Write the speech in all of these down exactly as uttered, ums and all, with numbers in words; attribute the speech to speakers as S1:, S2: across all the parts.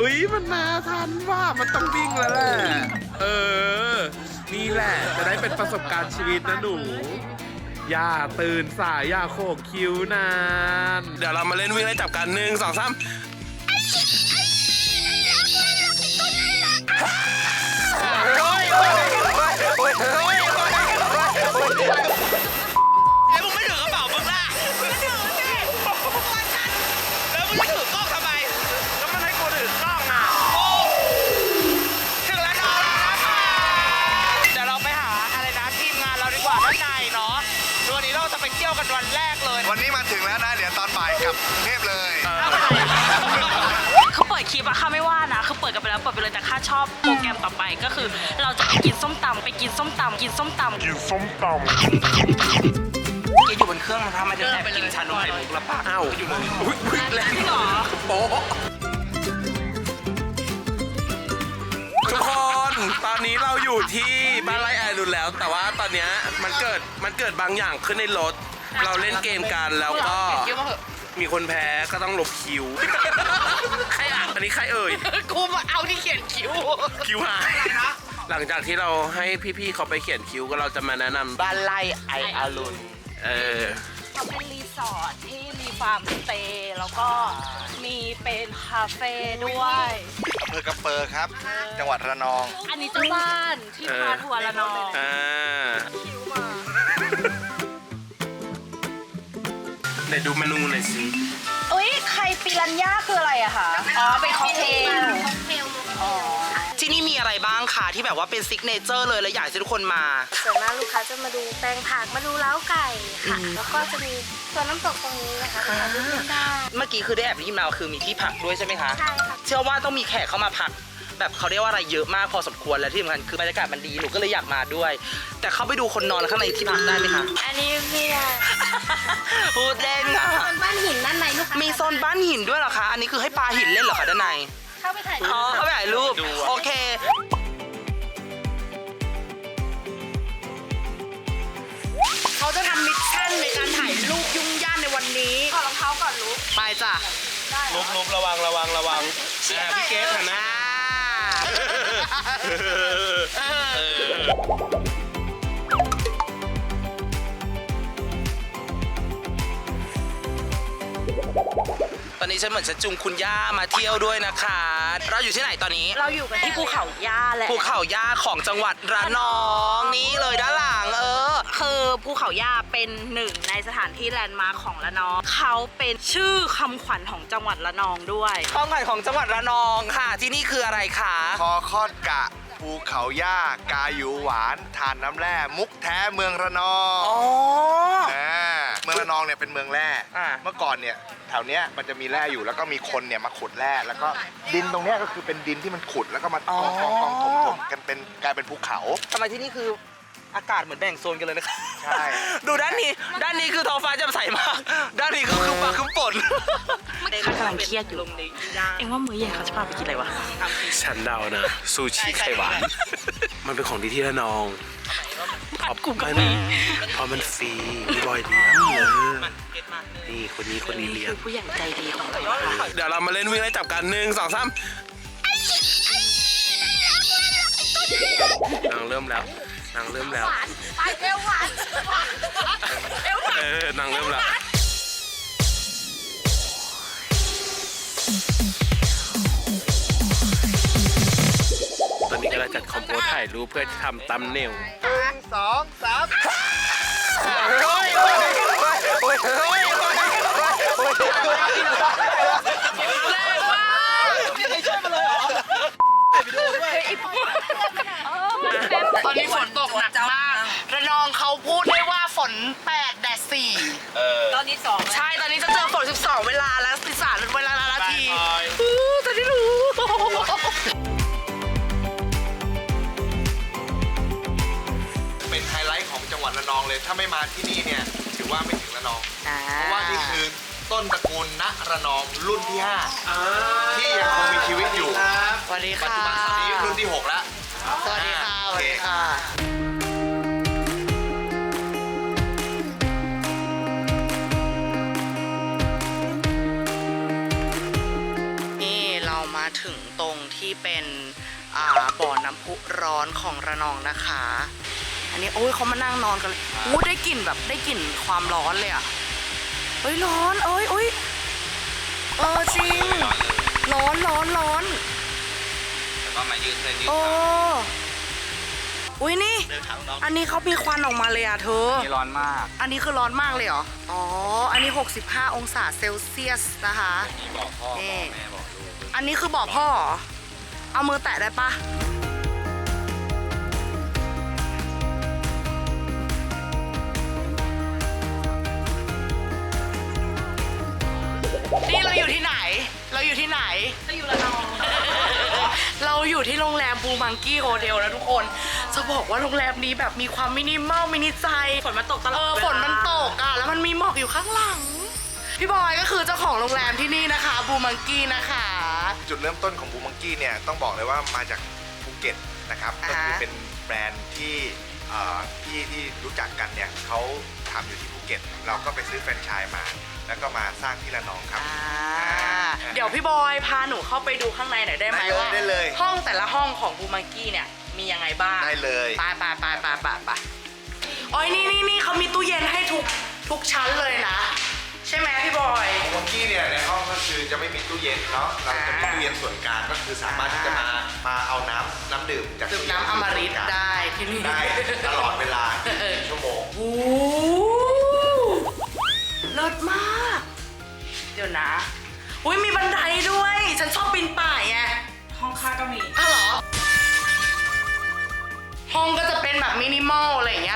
S1: เฮ้ยมันมาทันว่ามันต้องวิ่งแล้วแหละเออนี่แหละจะได้เป็นประสบการณ์ชีวิตนะหนูอย่าตื่นสายอย่าโขกคิ้วนานเดี๋ยวเรามาเล่นวิ่งไล่จับกันหนึ่งสองสาม
S2: แล้วมึงไม่ถือกระเป๋ามึงล่ะมึงก็ถือสิแล้วมึงจะถือกล้องทำไมแล้วมันให้กูถือกล้องอ่ะโอ้ถึงแล้วนอนนะคะเดี๋ยวเราไปหาอะไรนะทีมงานเราดีกว่าด้านในเนาะวันนี้เราจะไปเที่ยวกันวันแรกเลย
S3: วันนี้มาถึงแล้วนะเดี๋ยวตอนบ่ายกลับกรุงเทพเลย
S4: เขาเปิดคลิปอะข้าไม่ว่านะคือเปิดกันไปแล้วเปิดไปเลยแต่ข้าชอบโปรแกรมต่อไปก็คือเราจะไปกินส้มตำไปกินส้มตำกินส้มตำกินส้มตำ
S2: แกอยู่บนเครื่องมันทำไมจะแอบกินชานมไข่มุกแล้วปะอ้าวอยู่เลยอุ้ยอุ้ยแรงหรอโป๊ะทุกคนตอนนี้เราอยู่ที่บ้านไร่ไอรุนแล้วแต่ว่าตอนนี้มันเกิดมันเกิดบางอย่างขึ้นในรถเราเล่นเกมกันแล้วก็มีคนแพ้ก็ต้องลบคิวใครอ่ะอันนี้ใครเอ่ย
S4: กูมาเอาที่เขียนคิ้ว
S2: คิวหายหลังจากที่เราให้พี่ๆเขาไปเขียนคิวก็เราจะมาแนะนำบ้านไร่ไออารุณเออ
S4: เขาเป็นรีสอร์ทที่มีฟาร์มสเตย์แล้วก็มีเป็นคาเฟ่ด้วย
S3: อำเภอกระเปอร์ครับ จังหวัดระนอง
S4: อันนี้เจ้าบ้านที่พาทัวร์ละนอง
S2: อ่า
S4: คิ้วมา
S2: ไหนดูเมนูหน่อยสิ
S4: เอ้ยไข่ปิรันย่าคืออะไรอะคะอ๋อเป็นค็อกเทลที่นี่มีอะไรบ้างคะที่แบบว่าเป็นซิกเนเจอร์เลยและอยากให้ทุกคนมา
S5: ส่วนมากลูกค้าจะมาดูแปลงผักมาดูเล้าไก่ค่ะแล้วก็จะมีส่วนน้ำตกตรงนี้นะคะถ่ายรูปเล่นได้
S2: เมื่อกี้คือได้แอบได้ยินมาคือมีที่พักด้วยใช่ไหมคะ
S5: ใช่ค่ะ
S2: เชื่อว่าต้องมีแขกเข้ามาพักแบบเขาเรียกว่าอะไรเยอะมากพอสมควรและที่สำคัญคือบรรยากาศมันดีหนูก็เลยอยากมาด้วย แต่เขาไปดูคนนอนข้างในที่พักได้ไหมคะ
S5: อันนี้ไม่ได้
S2: พูดเล่นค่ะ
S5: โซนบ้านหินด้านในลูกค้า
S2: มีโซนบ้านหินด้วยเหรอคะอันนี้คือให้ปลาหินเล่นเหรอคะด้านใน
S5: เข้าไปถ่ายรู
S2: อ๋อ
S5: ป
S2: เขาไปถ่ายรูปโอเคเขาจะทำมิชชั่นในการถ่ายรูปยุ่งยากในวันนี้
S4: ขอรองเท้าก่อนลูก
S2: ไปจ้ะลุบลุบระวังระวังระวังพี่เกสหันหน้าตอนนี้ฉันเหมือนฉันจุงคุณย่ามาเที่ยวด้วยนะคะเราอยู่ที่ไหนตอนนี้
S4: เราอยู่กันที่ภูเขาย่าแหละ
S2: ภูเขาย่าของจังหวัดระนองนี่เลยด้านหลังเออ
S4: คือภูเขาย่าเป็นหนึ่งในสถานที่แลนด์มาร์คของระนองเขาเป็นชื่อคำขวัญของจังหวัดระนองด้วย
S2: ข้องขวัญของจังหวัดระนองค่ะที่นี่คืออะไรคะ
S3: คอคอดกะ ภูเขาย่ากายูหวานทานน้ำแร่มุกแท้เมืองระนอง
S2: อ๋อ
S3: อ่าเมืองระนองเนี่ยเป็นเมืองแร่
S2: อ่า
S3: เมื่อก่อนเนี่ยแถวเนี้ยมันจะมีแร่อยู่แล้วก็มีคนเนี่ยมาขุดแร่แล้วก็ดินตรงเนี้ยก็คือเป็นดินที่มันขุดแล้วก็มากองกองกองถมถมกันเป็นกลายเป็นภูเขา
S2: ทำไมที่นี่คืออากาศเหมือนแบ่งโซนกันเลยนะคะ
S3: ใช่
S2: ดูด้านนี้ด้านนี้คือท้องฟ้าแจ่มใสมากด้านนี้ก็คือฟ้าครึ้มฝน
S4: ข้ากำลังเครียดอยู่เอ็งว่ามื้อเย็นเขาจะพาไปกินอะไรวะ
S2: ฉันเดานะซูชิไข่หวานมันเป็นของดีที่ระนองขอบคุณกันเพราะมันฟรีมีบอยเลี้ยงเลยนี่คนนี้คนนี้เลี้ยง
S4: ผู้ใหญ่ใจดีของเรา
S2: เดี๋ยวเรามาเล่นวิ่งไล่จับกันหนึ่งสองสามนางเริ่มแล้วนางเริ่มแล้ว
S4: ไปเอวหวานเอวหวาน
S2: เออนางเริ่มแล้วตอนนี้กำลังจัดคอมโพสถ่ายรูปเพื่อทำตัมเนล
S3: หนึ่งสองสาม
S2: โอ้ยโอ้ยโอ้ยโอ้ยโอ้ยตอนนี้ฝนตกหนักมากระนองเขาพูดได้ว่าฝนแปดแดดสี่
S4: ตอนนี้สอง
S2: ใช่ตอนนี้จะเจอฝนสิบสองเวลาแล้วสิบสามเวลาละนาทีตอนนี้รู้
S3: เป็นไฮไลท์ของจังหวัดระนองเลยถ้าไม่มาที่นี่เนี่ยถือว่าไม่ถึงระนองเพราะว่านี่คือต้นตระกูลณระนองรุ่นที่ห้าที่ยังคงมีชีวิตอยู่
S2: สวัสดี
S3: ปัจ
S2: ค่ะ
S3: จุบันตอนนี้รุ่นที่หกแล้ว
S2: สวัสดีค่ะสวัสดีค่ะนี่เรามาถึง
S4: ตรงที่เป็นอ่าบ่อน้ำพุร้อนของระนองนะคะ อันนี้โอ้ยเขามานั่งนอนกันเลยอู้ได้กลิ่นแบบได้กลิ่นความร้อนเลยอะเฮ้ยร้อนเอ้ยเอ้ยเออจริงร้อนร้อนร้อน
S2: แล้วก็มายืดเส้นยืด
S4: โอ้
S2: ขา
S4: อุ้ยนี่
S2: เดินขาน้อง
S4: อันนี้เขามีควันออกมาเลยอะเธอ
S2: นี่ร้อนมาก
S4: อันนี้คือร้อนมากเลยเหรอ อ๋อ อันนี้ หกสิบห้า องศาเซลเซียสนะคะ
S2: นี่บอกพ่อ
S4: นี่
S2: บอกแม่บอกลูก
S4: อันนี้คือบอกพ่อเหรอ เอามือแตะได้ปะนี่เราอยู่ที่ไหน เราอยู่ที่ไหน
S5: เราอยู่ระนอง
S4: เราอยู่ที่โรงแรมบูมังกี้โฮเทลนะทุกคน จะบอกว่าโรงแรมนี้แบบมีความมินิมอลมินิใจ
S5: ฝนมันตกตลอด
S4: เออฝนมันตกอ่ะ แล้วมันมีหมอกอยู่ข้างหลัง พี่บอยก็คือเจ้าของโรงแรมที่นี่นะคะบูมังกี้นะคะ
S3: จุดเริ่มต้นของบูมังกี้เนี่ยต้องบอกเลยว่ามาจากภูเก็ตนะครับ
S4: อ่า
S3: ก็
S4: ฮะ
S3: คือเป็นแบรนด์ที่เอ่อที่ที่รู้จักกันเนี่ยเขาทำอยู่ที่ภูเก็ต เราก็ไปซื้อแฟรนไชส์มา แล้วก็มาสร้างที่ระนองครับ
S4: อ่า
S3: อ่า
S4: เดี๋ยวพี่บอยพาหนูเข้าไปดูข้างในหน่อยได้ไหม
S3: ได้เลย
S4: ว่า
S3: ได้เลย
S4: ห้องแต่ละห้องของบูมังกี้เนี่ยมียังไงบ้าง
S3: ได้เลย
S4: ไปไปไปไปไปไปโอ้ยนี่นี่นี่เขามีตู้เย็นให้ทุกทุกชั้นเลยนะ ใช่ไหมพี่บอย
S3: บูมังกี้เนี่ยในห้องก็คือจะไม่มีตู้เย็นเนาะ เราจะมีตู้เย็นส่วนกลางก็คือสามารถที่จะมามาเอาน้ำน้ำดื่มจาก
S4: ดื่มน้ำอมฤตได้ที่นี่
S3: ได้ตลอดเวลายี่สิบสี่ชั่วโมง
S4: โอ้โหเลิศมาก เดี๋ยวนะ อุ้ยมีบันไดด้วย ฉันชอบปีนป่ายไง
S5: ห้องค่าก็มี
S4: อ้าวเหรอ ห้องก็จะเป็นแบบมินิมอลอะไรอย่างเงี้ย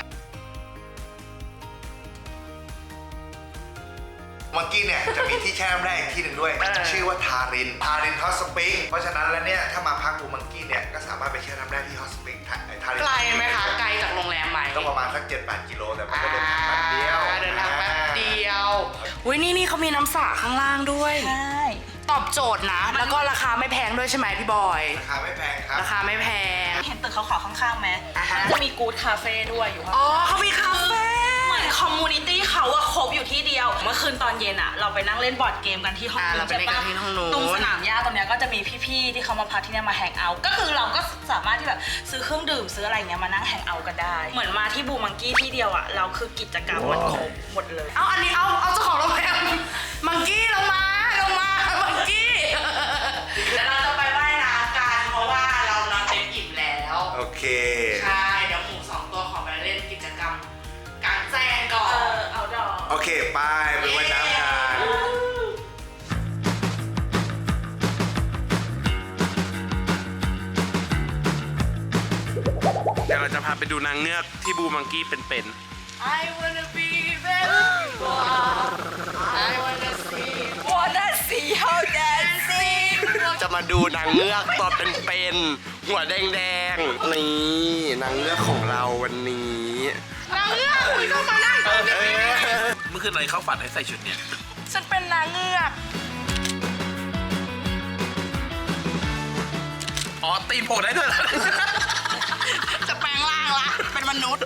S3: มังกี้เนี่ยจะมีที่แช่น้ำแร่อีกที่หนึ่งด้วย
S4: เออ
S3: ชื่อว่าทาริน ทารินฮอตสปริง เพราะฉะนั้นแล้วเนี่ยถ้ามาพักบูมังกี้เนี่ยก็สามารถไปแช่น้ำแร่ที่ฮอตสปริงทาทาริน
S4: ไกลไหมคะ ไกลจากโรงแรมไหม
S3: ก็ประมาณสัก เจ็ดแปด กิโลแต่มันก็เดินทางแป๊บเดียว
S4: อ่าเดินทางแป๊บเดียว อุ้ยนี่นี่เขามีน้ำสระข้างล่างด้วย
S5: ใช่
S4: ตอบโจทย์นะ แล้วก็ราคาไม่แพงด้วยใช่ไหมพี่บอย
S3: ราคาไม่แพงครับ
S4: ราคาไม่แพง
S5: เห็นตึกขาวๆข้างๆไหม
S4: อ่าฮะ
S5: จะมีกู๊ดคาเฟ่ด้วยอยู่ข้าง
S4: อ๋อเขามีคาเฟ่
S5: เหมือนคอมมูนิตี้เขาอะครบอยู่ที่เดียว เมื่อคืนตอนเย็นอะเราไปนั่งเล่นบอร์ดเกมกันที่ห้อง
S4: อ่า
S5: นู้
S4: เรา
S5: น
S4: ไป
S5: ใช่
S4: เล่นกั
S5: ปะ
S4: นที่ห้องนู้น
S5: ตรงสนามหญ้าตรงเนี้ยก็จะมีพี่ๆที่เขามาพักที่เนี่ยมาแฮงเอาท์ก็คือเราก็สามารถที่แบบซื้อเครื่องดื่มซื้ออะไรเงี้ยมานั่งแฮงเอาท์กันได้ เหมือนมาที่บูมังกี้ที่เดียวอะเราคือกิจกรรมมันครบหมดเลย
S4: เอาอันนี้เอาเอาเจ้าของโรงแรมมังกี้ลงมาลงมามังกี้แล้วเราจะไปว่ายน้ำกันเพราะว่าเรานอนเต็มอิ่มแล้ว
S3: โอเค
S4: ใช่เดี๋ยวหมูสองตัวขอไปเล่นกิจกรรมกลางแจ้งก่อ
S5: เอน อเอาดอก
S3: โอเค ไปไปว่ายน้ำกัน
S1: เดี๋ยวเราจะพาไปดูนางเงือกที่บูมังกี้เป็น
S4: I wanna be where you are I wanna see wanna see how dancing
S2: จะมาดูนางเงือกตัวเป็นๆหัวแดงๆ นี่นางเงือกของเราวันนี้
S4: นางเงือกคุณเข้ามานั่งตรงนี้
S1: ๆ เมื่อคืนอะไรเขาฝันให้ใส่ชุดเนี้ย
S4: ฉันเป็นนางเงือก
S1: อ๋อ ตีนโผล่ได้ด้วยเหรอ
S4: จะแปลงร่างละเป็นมนุษย์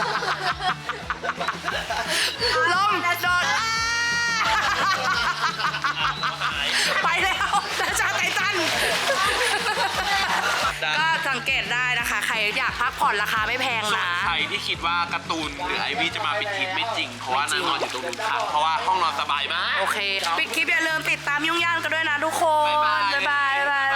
S4: ลมโดนไปแล้วราชาไททันก็สังเกตได้นะคะ ใครอยากพักผ่อนราคาไม่แพงนะ
S1: ใครที่คิดว่าการ์ตูนหรือไอวี่จะมาเป็นทีมไม่จริง เพราะว่านางนอนอยู่ตรงนู้นค่ะ เพราะว่าห้องนอนสบายมาก
S4: โอเค ปิดคลิปอย่าลืมติดตามยุ่งย่างกันด้วยนะทุกคน
S1: บ๊ายบาย
S4: บ๊ายบายบ๊ายบาย